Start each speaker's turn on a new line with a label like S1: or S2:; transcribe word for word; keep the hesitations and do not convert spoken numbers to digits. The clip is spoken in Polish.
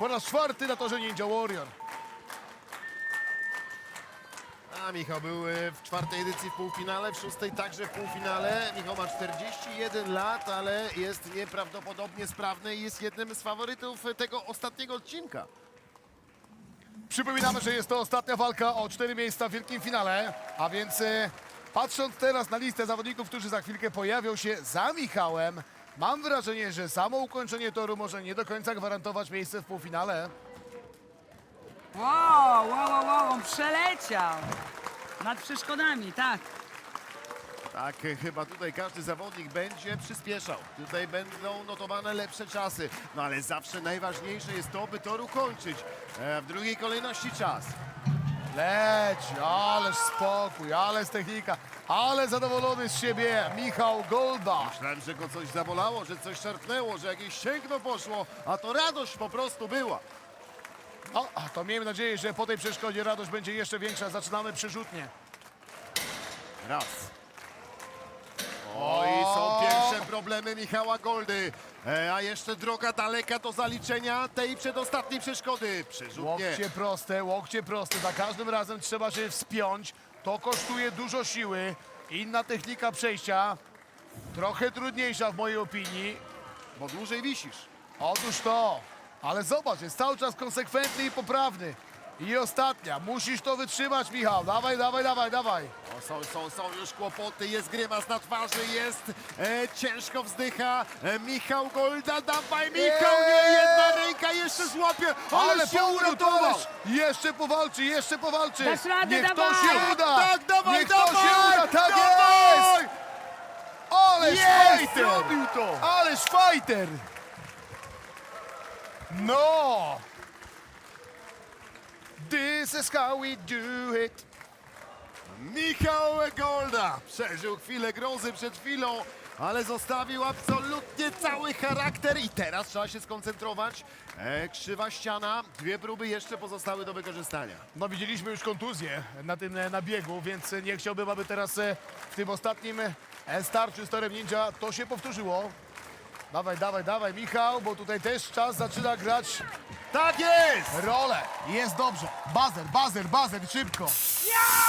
S1: po raz czwarty na torze Ninja Warrior.
S2: A Michał był e, w czwartej edycji w półfinale, w szóstej także w półfinale. Michał ma czterdzieści jeden lat, ale jest nieprawdopodobnie sprawny i jest jednym z faworytów tego ostatniego odcinka.
S1: Przypominamy, że jest to ostatnia walka o cztery miejsca w wielkim finale, a więc e, patrząc teraz na listę zawodników, którzy za chwilkę pojawią się za Michałem, mam wrażenie, że samo ukończenie toru może nie do końca gwarantować miejsce w półfinale.
S3: Wow, wow, wow, wow, on przeleciał nad przeszkodami, tak.
S2: Tak, e, chyba tutaj każdy zawodnik będzie przyspieszał. Tutaj będą notowane lepsze czasy. No ale zawsze najważniejsze jest to, by tor ukończyć. E, w drugiej kolejności czas.
S1: Leci, ależ spokój, ależ technika, ale zadowolony z siebie Michał Golda.
S2: Myślałem, że go coś zabolało, że coś szarpnęło, że jakieś ścięgno poszło, a to radość po prostu była.
S1: No, to miejmy nadzieję, że po tej przeszkodzie radość będzie jeszcze większa. Zaczynamy przyrzutnie.
S2: Raz. O, i są pierwsze problemy Michała Goldy. E, a jeszcze droga daleka do zaliczenia tej przedostatniej przeszkody. Przyrzutnie.
S1: Łokcie proste, łokcie proste. Za każdym razem trzeba się wspiąć. To kosztuje dużo siły. Inna technika przejścia. Trochę trudniejsza w mojej opinii.
S2: Bo dłużej wisisz.
S1: Otóż to. Ale zobacz, jest cały czas konsekwentny i poprawny. I ostatnia. Musisz to wytrzymać, Michał. Dawaj, dawaj, dawaj, dawaj.
S2: O, są, są, są już kłopoty, jest grymas na twarzy, jest e, ciężko wzdycha. E, Michał Golda, dawaj Michał, nie, jedna ręka jeszcze złapie, ale się
S1: powrót,
S2: uratował.
S1: ależ jeszcze powalczy, jeszcze powalczy.
S3: Dasz radę,
S1: Niech to
S3: dawaj.
S1: się uda.
S2: Tak, dawaj,
S1: Niech
S2: dawaj,
S1: to się uda, tak
S2: dawaj.
S1: jest. Ależ
S2: Jest,
S1: fighter.
S2: zrobił to.
S1: Ależ fighter. No. This is how we do it.
S2: Michał Golda przeżył chwilę grozy przed chwilą, ale zostawił absolutnie cały charakter i teraz trzeba się skoncentrować. E, krzywa ściana, dwie próby jeszcze pozostały do wykorzystania.
S1: No widzieliśmy już kontuzję na tym e, nabiegu, więc nie chciałbym, aby teraz e, w tym ostatnim e, starciu z torem Ninja to się powtórzyło. Dawaj, dawaj, dawaj, Michał, bo tutaj też czas zaczyna grać
S2: Tak jest!
S1: rolę. Jest dobrze. Bazer, bazer, bazer, szybko.